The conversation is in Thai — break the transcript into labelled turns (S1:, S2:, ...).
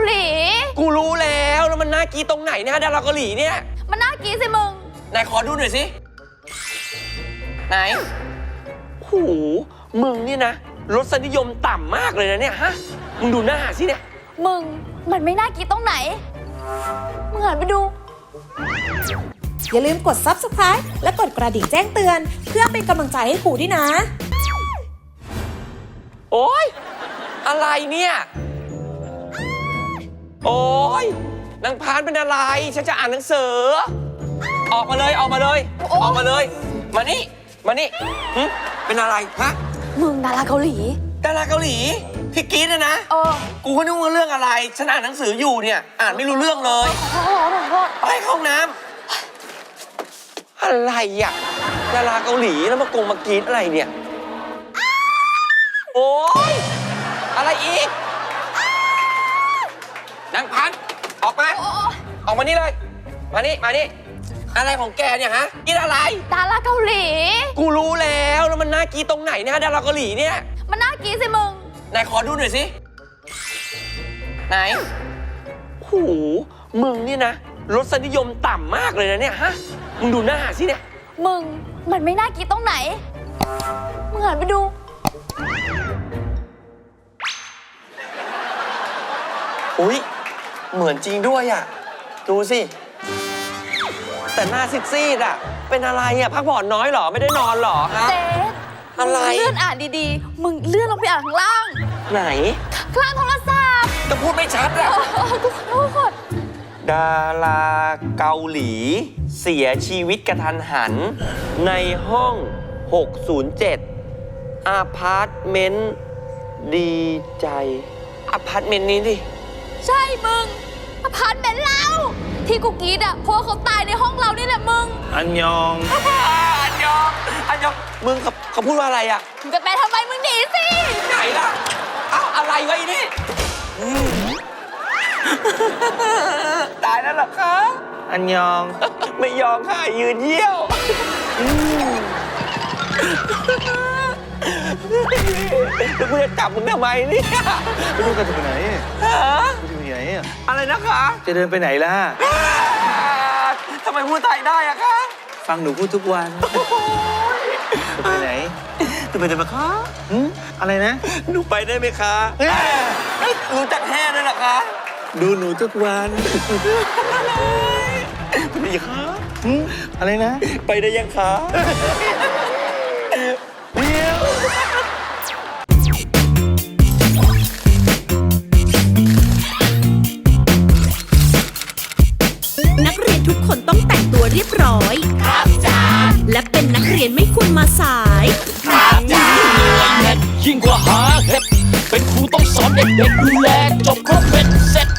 S1: หลี
S2: กูรู้แล้วมันน่ากีตรงไหนเนี่ยดาราเกาหลีเนี่ย
S1: มันน่ากีสิมึง
S2: ไหนขอดูหน่อยสิไหนโหมึงนี่นะรสนิยมต่ำมากเลยนะเนี่ยฮะมึงดูหน้าสิเนี่ย
S1: มึงมันไม่น่ากีตรงไหนมึงหันไปดู
S3: อย่าลืมกด Subscribe และกดกระดิ่งแจ้งเตือนเพื่อเป็นกำลังใจให้ครูด้วยนะ
S2: โอ๊ยอะไรเนี่ยโอ๊ยนางพานเป็นอะไรฉันจะอ่านหนังสือออกมาเลยออกมาเลยออกมาเลยมานี่เป็นอะไรฮะ
S1: มึงดาราเกาหลี
S2: ดาราเกาหลีที่กรี๊ดนะกูก็นึกว่าเรื่องอะไรฉันอ่านหนังสืออยู่เนี่ยอ่านไม่รู้เรื่องเลยไปเข้าห้องน้ำอะไรอ่ะดาราเกาหลีแล้วมากรี๊ดอะไรเนี่ยโอ๊ยอะไรอีกนางพันออกมาออกมานี่เลยมานี่อะไรของแกเนี่ยฮะกินอะไร
S1: ดาราเกาหลี
S2: กูรู้แล้วมันน่ากีตรงไหนเนี่ยดาราเกาหลีเนี่ย
S1: มันน่ากีสิมึง
S2: ไหนขอดูหน่อยสิไหนโหมึงนี่นะรสนิยมต่ำมากเลยนะเนี่ยฮะมึงดูหน้าสิเนี่ย
S1: มึงมันไม่น่ากีตรงไหนมึงหันไปดู
S2: อุ๊ยเหมือนจริงด้วยอ่ะดูสิแต่หน้าซีดๆอ่ะเป็นอะไรอ่ะพักผ่อนน้อยหรอไม่ได้นอนหรอฮะ
S1: เจ๊
S2: อะไร
S1: เลื่อนอ่านดีๆมึงเลื่อนลงไปอ่านข้างล่าง
S2: ไหน
S1: ข้างล่างโทรศัพท์
S2: ก็พูดไม่ชัดอ่ะ
S1: กูขอโทษ
S2: ดาราเกาหลีเสียชีวิตกระทันหันในห้อง607อาพาร์ตเมนต์ดีใจอาพาร์ตเมนต์นี้ดิ
S1: ใช่มึงอพาร์ตเมนต์เราที่กูกรีดอ่ะเพราะเขาตายในห้องเรานี่แหละมึง
S2: อันยองมึงเขาพูดว่าอะไรอ่ะ
S1: มึงจะไปทำไมมึงหนีสิ
S2: ไหนล่ะเอ้าอะไรวะอีนี่ตายแล้วเหรอคะอันยองไม่ยองค่ะยืนเยี่ยวแล้วกูจะจับมึงทำไมเนี่ย
S4: ไม่รู้กันจะไปไหน
S2: ฮะ
S4: จะไปไหน
S2: อะไรนะคะ
S4: จะเดินไปไหนล่ะ
S2: ทำไมพูดไทยได้อะคะ
S4: ฟังหนูพูดทุกวันจะไปไหน
S2: จะไปไหนมาคะ
S4: อะไรนะ
S2: หนูไปได้ไหมคะรู้จักแห่ด้วยเหรอคะ
S4: ดูหนูทุกวัน
S2: ไปได้ยังคะ
S4: อะไรนะ
S2: ไปได้ยังคะเดี๋ยว
S3: นักเรียนทุกคนต้องแต่งตัวเรียบร้อยครับจ้าและเป็นนักเรียนไม่ควรมาสาย
S5: ครับจ้ายิ่งกว่าหาเห็ดเป็นครูต้องสอนเด็กๆดูแลจบครบเป็นเสร็จ